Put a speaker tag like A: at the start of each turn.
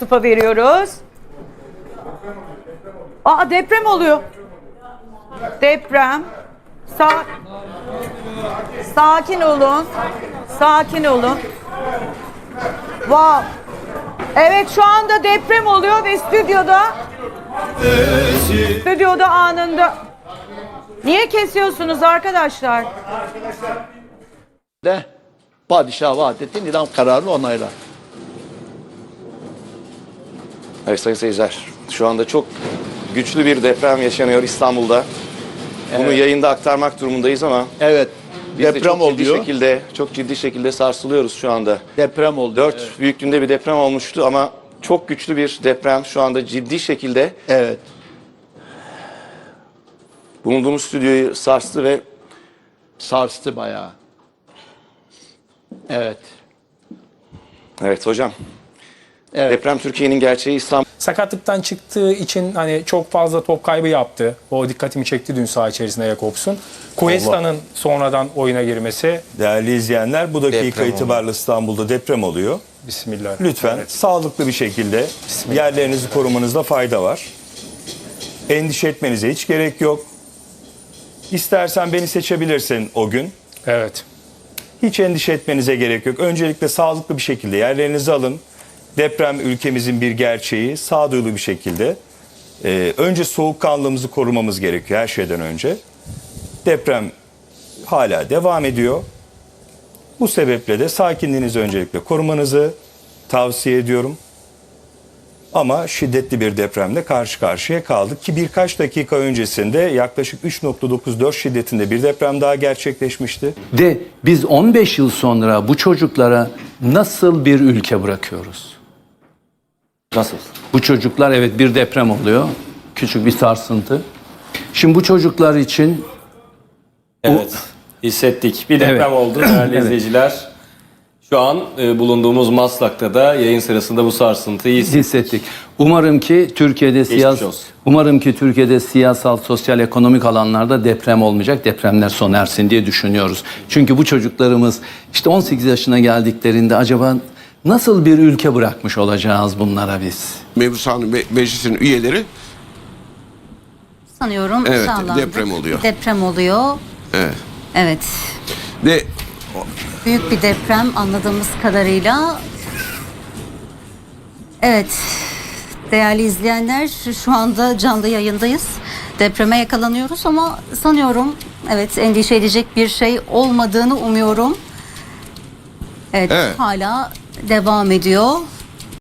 A: Tıpa veriyoruz. Aa, deprem oluyor. Deprem. Sakin olun. Sakin olun. Wow. Evet, şu anda deprem oluyor ve stüdyoda anında. Niye kesiyorsunuz arkadaşlar?
B: De padişah vaat etti, idam kararını onaylar.
C: Evet sayın seyirciler, şu anda çok güçlü bir deprem yaşanıyor İstanbul'da. Bunu
B: Evet.
C: yayında aktarmak durumundayız ama
B: Evet.
C: biz de
B: Deprem oluyor.
C: çok ciddi şekilde sarsılıyoruz şu anda.
B: Deprem oldu.
C: 4 büyüklüğünde bir deprem olmuştu ama çok güçlü bir deprem şu anda ciddi şekilde
B: Evet.
C: bulunduğumuz stüdyoyu sarstı ve
B: Sarstı bayağı. Evet.
C: evet hocam.
B: Evet.
C: Deprem Türkiye'nin gerçeği İstanbul.
D: Sakatlıktan çıktığı için hani çok fazla top kaybı yaptı. O dikkatimi çekti dün saha içerisinde Jakobs'un. Cuesta'nın sonradan oyuna girmesi.
E: Değerli izleyenler, bu dakika itibariyle İstanbul'da deprem oluyor.
D: Bismillah.
E: Lütfen
D: Evet.
E: sağlıklı bir şekilde yerlerinizi korumanızda fayda var. Endişe etmenize hiç gerek yok. İstersen beni seçebilirsin o gün.
D: Evet.
E: Hiç endişe etmenize gerek yok. Öncelikle sağlıklı bir şekilde yerlerinizi alın. Deprem ülkemizin bir gerçeği, sağduyulu bir şekilde. Önce soğukkanlılığımızı korumamız gerekiyor her şeyden önce. Deprem hala devam ediyor. Bu sebeple de sakinliğinizi öncelikle korumanızı tavsiye ediyorum. Ama şiddetli bir depremle karşı karşıya kaldık ki birkaç dakika öncesinde yaklaşık 3.94 şiddetinde bir deprem daha gerçekleşmişti.
F: De biz 15 yıl sonra bu çocuklara nasıl bir ülke bırakıyoruz?
G: Nasıl?
F: Bu çocuklar, evet, bir deprem oluyor. Küçük bir sarsıntı. Şimdi bu çocuklar için
G: Evet. Hissettik. Bir deprem
F: Evet.
G: oldu değerli
F: Evet.
G: izleyiciler. Şu an bulunduğumuz Maslak'ta da yayın sırasında bu sarsıntıyı
F: hissettik. Umarım ki Türkiye'de siyasal, sosyal, ekonomik alanlarda deprem olmayacak, depremler sona ersin diye düşünüyoruz. Çünkü bu çocuklarımız işte 18 yaşına geldiklerinde acaba nasıl bir ülke bırakmış olacağız bunlara biz?
H: Mebusan Meclisi'nin üyeleri
I: sanıyorum
H: evet,
I: sağlandı.
H: deprem oluyor.
I: Deprem oluyor.
H: Evet.
I: Evet.
H: Ve
I: Büyük bir deprem anladığımız kadarıyla. Evet. Değerli izleyenler, şu anda canlı yayındayız. Depreme yakalanıyoruz ama sanıyorum evet endişe edecek bir şey olmadığını umuyorum. Evet. Hala devam ediyor.